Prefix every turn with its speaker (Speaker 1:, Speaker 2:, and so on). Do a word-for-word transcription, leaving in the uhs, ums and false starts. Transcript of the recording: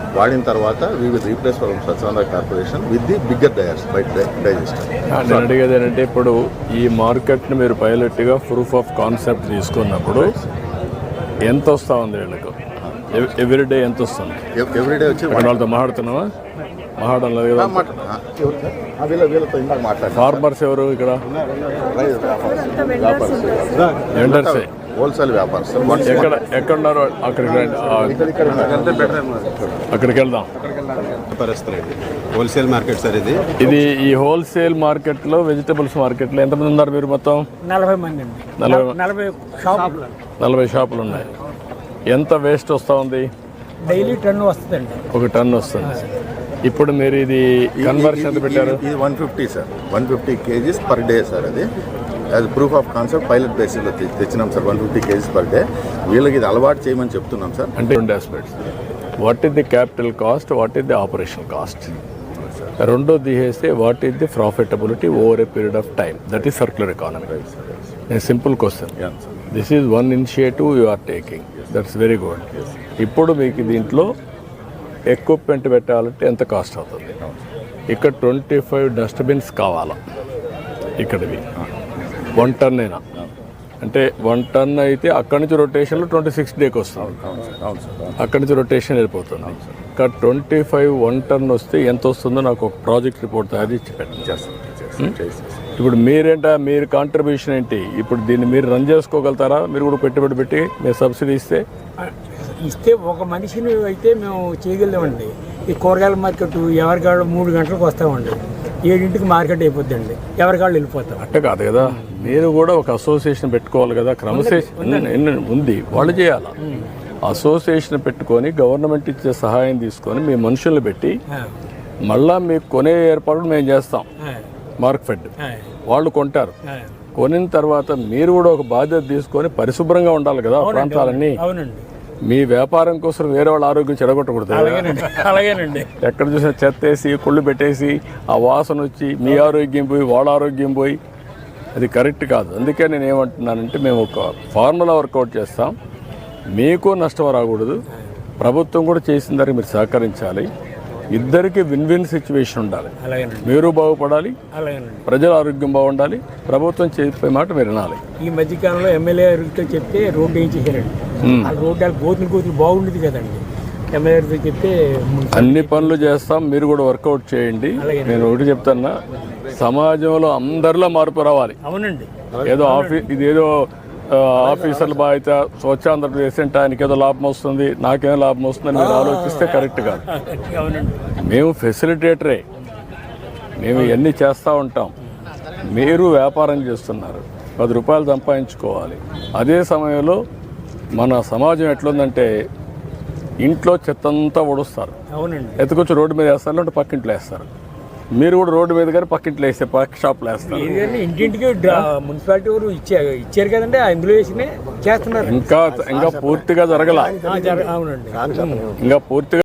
Speaker 1: వాడిన తర్వాత we will replace from స్వచ్ఛంద corporation with the bigger dyers by digester.
Speaker 2: నేను అడిగేది ఏంటంటే ఇప్పుడు ఈ మార్కెట్ని మీరు పైలట్గా ప్రూఫ్ ఆఫ్ కాన్సెప్ట్ తీసుకున్నప్పుడు ఎంత వస్తూ ఉంది వీళ్ళకు ఎవ్రీడే ఎంత వస్తుంది?
Speaker 1: ఎవ్రీడే వచ్చి
Speaker 2: వాళ్ళతో మాట్లాడుతున్నావా? మాట్లాడడం లేదు కదా. ఫార్మర్స్ ఎవరు ఇక్కడ? వెండర్సే,
Speaker 1: హోల్సేల్ వ్యాపారస్.
Speaker 2: ఎక్కడ ఎక్కడున్నారు? అక్కడికి అక్కడికి వెళ్దాం.
Speaker 3: హోల్సేల్ మార్కెట్ సార్ ఇది.
Speaker 2: ఇది ఈ హోల్సేల్ మార్కెట్లో వెజిటబుల్స్ మార్కెట్లో ఎంతమంది ఉన్నారు మీరు? మొత్తం
Speaker 4: నలభై మంది అండి.
Speaker 2: నలభై
Speaker 4: నలభై షాపులు
Speaker 2: నలభై షాపులు ఉన్నాయి. ఎంత వేస్ట్ వస్తూ ఉంది?
Speaker 4: డైలీ టన్ను వస్తుందండి.
Speaker 2: ఒక టన్ను వస్తుంది. ఇప్పుడు మీరు ఇది కన్వర్షన్ ఎంత పెట్టారు?
Speaker 1: ఇది one fifty sir, one fifty kgs per day sir. అది అది ప్రూఫ్ ఆఫ్ కాన్సెప్ట్ పైలట్ బేసిస్లో తెచ్చినాం sir. One fifty kgs per day వీళ్ళకి ఇది అలవాటు చేయమని చెప్తున్నాం సార్.
Speaker 2: అంటే రెండు aspects, what is the capital cost, what is the operation cost, రెండో తీసేస్తే what is the profitability over a period of time. That is circular economy. Simple question. This is one initiative you are taking, that's very good. ఇప్పుడు మీకు దీంట్లో equipment పెట్టాలంటే ఎంత cost అవుతుంది? ఇక్కడ twenty five dustbins కావాలా ఇక్కడివి? వన్ టన్ అయినా అంటే వన్ టన్ అయితే అక్కడి నుంచి రొటేషన్లో ట్వంటీ సిక్స్ డేకి వస్తుంది. అక్కడి నుంచి రొటేషన్ వెళ్ళిపోతుంది. ఇక్కడ ట్వంటీ ఫైవ్ వన్ టన్ వస్తే ఎంత వస్తుందో నాకు ఒక ప్రాజెక్ట్ రిపోర్ట్ తయారు చేసి పెట్టండి. ఇప్పుడు మీరేంటా, మీరు కాంట్రిబ్యూషన్ ఏంటి? ఇప్పుడు దీన్ని మీరు రన్ చేసుకోగలుగుతారా? మీరు కూడా పెట్టుబడి పెట్టి మీరు సబ్సిడీ ఇస్తే
Speaker 4: ఇస్తే ఒక మనిషిని అయితే మేము చేయగలమండి. ఈ కూరగాయల మార్కెట్ ఎవరికాళ్ళు మూడు గంటలకు వస్తామండి, ఏడింటికి మార్కెట్ అయిపోద్దండి, ఎవరికాళ్ళు వెళ్ళిపోతాం.
Speaker 2: అంటే కాదు కదా, మీరు కూడా ఒక అసోసియేషన్ పెట్టుకోవాలి కదా. క్రమశిక్షణ ఉంది, వాళ్ళు చేయాలి. అసోసియేషన్ పెట్టుకొని గవర్నమెంట్ ఇచ్చే సహాయం తీసుకొని మీ మనుషుల్ని పెట్టి మళ్ళా మీకు కొనే ఏర్పాటు మేము చేస్తాం. మార్క్ ఫెడ్ వాళ్ళు కొంటారు. కొనిన తర్వాత మీరు కూడా ఒక బాధ్యత తీసుకొని పరిశుభ్రంగా ఉండాలి కదా ప్రాంతాలన్నీ. మీ వ్యాపారం కోసం వేరే వాళ్ళ ఆరోగ్యం చెడగొట్టకూడదు.
Speaker 4: అలాగేనండి.
Speaker 2: ఎక్కడ చూసినా చెత్త వేసి కుళ్ళు పెట్టేసి ఆ వాసన వచ్చి మీ ఆరోగ్యం పోయి వాళ్ళ ఆరోగ్యం పోయి అది కరెక్ట్ కాదు. అందుకే నేను ఏమంటున్నానంటే మేము ఒక ఫార్ములా వర్కౌట్ చేస్తాం. మీకు నష్టం రాకూడదు, ప్రభుత్వం కూడా చేసిన దానికి మీరు సహకరించాలి. ఇద్దరికి విన్ విన్ సిచ్యువేషన్ ఉండాలి. మీరు బాగుపడాలి, ప్రజల ఆరోగ్యం బాగుండాలి, ప్రభుత్వం చెప్పే మాట మీరు వినాలి.
Speaker 4: ఈ మధ్యకాలంలో ఎమ్మెల్యే గారితో చెప్తే రోడ్డు ఏం చేశారండి. ఆ రోడ్డు గోతులు గోతులు బాగుండేది కదండి. ఎమ్మెల్యే గారితో చెప్తే
Speaker 2: అన్ని పనులు చేస్తాం, మీరు కూడా వర్కౌట్ చేయండి. నేను ఒకటి చెప్తాను, సమాజంలో అందరిలో మార్పు రావాలి.
Speaker 4: అవునండి.
Speaker 2: ఏదో ఆఫీస్ ఇది ఏదో ఆఫీసర్ల బాధ్యత, స్వచ్ఛాంధ్రప్రదేశ్ అంటే ఆయనకి ఏదో లాభం వస్తుంది, నాకేం లాభం వస్తుందని మీరు ఆలోచిస్తే కరెక్ట్ కాదు. మేము ఫెసిలిటేటరే, మేము ఇవన్నీ చేస్తూ ఉంటాం. మీరు వ్యాపారం చేస్తున్నారు, పది రూపాయలు సంపాదించుకోవాలి. అదే సమయంలో మన సమాజం ఎట్లుందంటే ఇంట్లో చెత్తంతా ఒడుస్తారు, ఎత్తుకొచ్చి రోడ్డు మీద వేస్తారు, లేదంటే పక్కింట్లో వేస్తారు. మీరు కూడా రోడ్డు మీద కానీ పక్కింట్లో వేస్తే పక్క షాప్లో వేస్తారు.
Speaker 4: ఇంటింటికి మున్సిపాలిటీ వారు ఇచ్చారు ఇచ్చారు కదండి, అందులో వేసి చేస్తున్నారు.
Speaker 2: ఇంకా ఇంకా పూర్తిగా జరగల,
Speaker 4: అవునండి,
Speaker 2: ఇంకా పూర్తిగా